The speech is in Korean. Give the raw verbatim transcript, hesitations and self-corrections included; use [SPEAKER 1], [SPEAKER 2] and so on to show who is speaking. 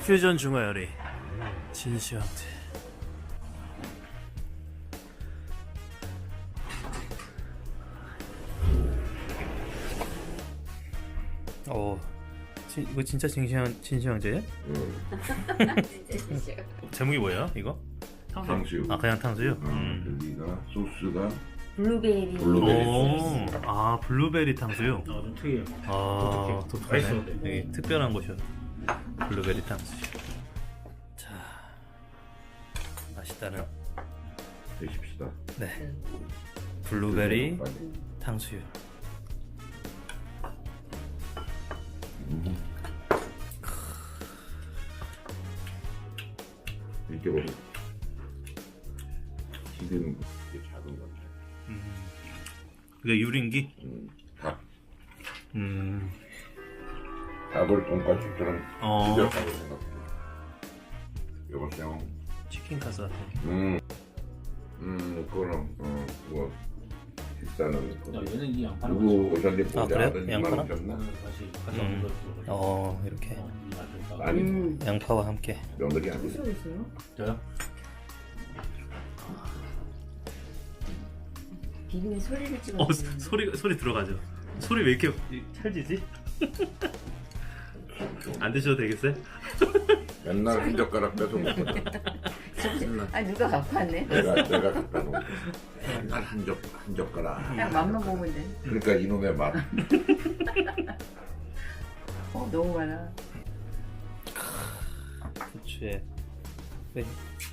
[SPEAKER 1] 퓨전 중화 요리 진시황제. 어, 진, 이거 진짜 진시황 진시황제예요?
[SPEAKER 2] 진짜 싫어.
[SPEAKER 1] 제목이 뭐예요? 이거?
[SPEAKER 3] 탕수육.
[SPEAKER 1] 아 그냥 탕수육?
[SPEAKER 3] 음.
[SPEAKER 1] 음.
[SPEAKER 3] 여기가 소스가
[SPEAKER 2] 블루베리.
[SPEAKER 3] 블루베리.
[SPEAKER 1] 오, 아 블루베리 탕수육.
[SPEAKER 4] 아, 좀 특이해요.
[SPEAKER 1] 아
[SPEAKER 4] 독특해.
[SPEAKER 1] 독특하네.
[SPEAKER 4] 맛있어.
[SPEAKER 1] 여기 특별한 곳이요. 블루베리 탕수육. 자, 맛있다는.
[SPEAKER 3] 드십시다.
[SPEAKER 1] 네. 블루베리
[SPEAKER 3] 빨리.
[SPEAKER 1] 탕수육.
[SPEAKER 3] 음. 이렇게 보면 기름 되게 작은 것 같아요.
[SPEAKER 1] 음. 이게 유린기?
[SPEAKER 3] 음, 닭,
[SPEAKER 1] 음.
[SPEAKER 3] 닭을 돈까스처럼
[SPEAKER 1] 어.
[SPEAKER 3] 튀겼다고 생각해요. 여보세요.
[SPEAKER 1] 치킨 카스 같은.
[SPEAKER 3] 음, 음, 그거는 어, 그거 비싸는
[SPEAKER 4] 야,
[SPEAKER 3] 거.
[SPEAKER 4] 얘는 이 양파는
[SPEAKER 3] 누구 오셨는데
[SPEAKER 1] 아, 그래요?
[SPEAKER 3] 아들
[SPEAKER 1] 양파랑?
[SPEAKER 3] 이만 오셨나?
[SPEAKER 4] 다시 다시
[SPEAKER 1] 음.
[SPEAKER 4] 한번 더
[SPEAKER 1] 어, 이렇게
[SPEAKER 3] 아니,
[SPEAKER 2] 음.
[SPEAKER 1] 양파와 함께.
[SPEAKER 3] 며느리 아니에요.
[SPEAKER 2] 있어요?
[SPEAKER 4] 저요?
[SPEAKER 2] 비빔 소리를 찍어.
[SPEAKER 1] 어, 소리 소리 들어가죠. 소리 왜 이렇게 찰지지? 안 드셔도 되겠어요?
[SPEAKER 3] 맨날 한 젓가락 뺏어 먹거든. 맨날
[SPEAKER 2] 아 누가 갖고 왔네?
[SPEAKER 3] 내가 내가 갖다 놓은 거. 맨날 한 젓, 한 젓가락.
[SPEAKER 2] 그냥 맘만 보면 돼.
[SPEAKER 3] 그러니까 이놈의 맛.
[SPEAKER 2] 어 너무 많아.
[SPEAKER 1] 부추에 네.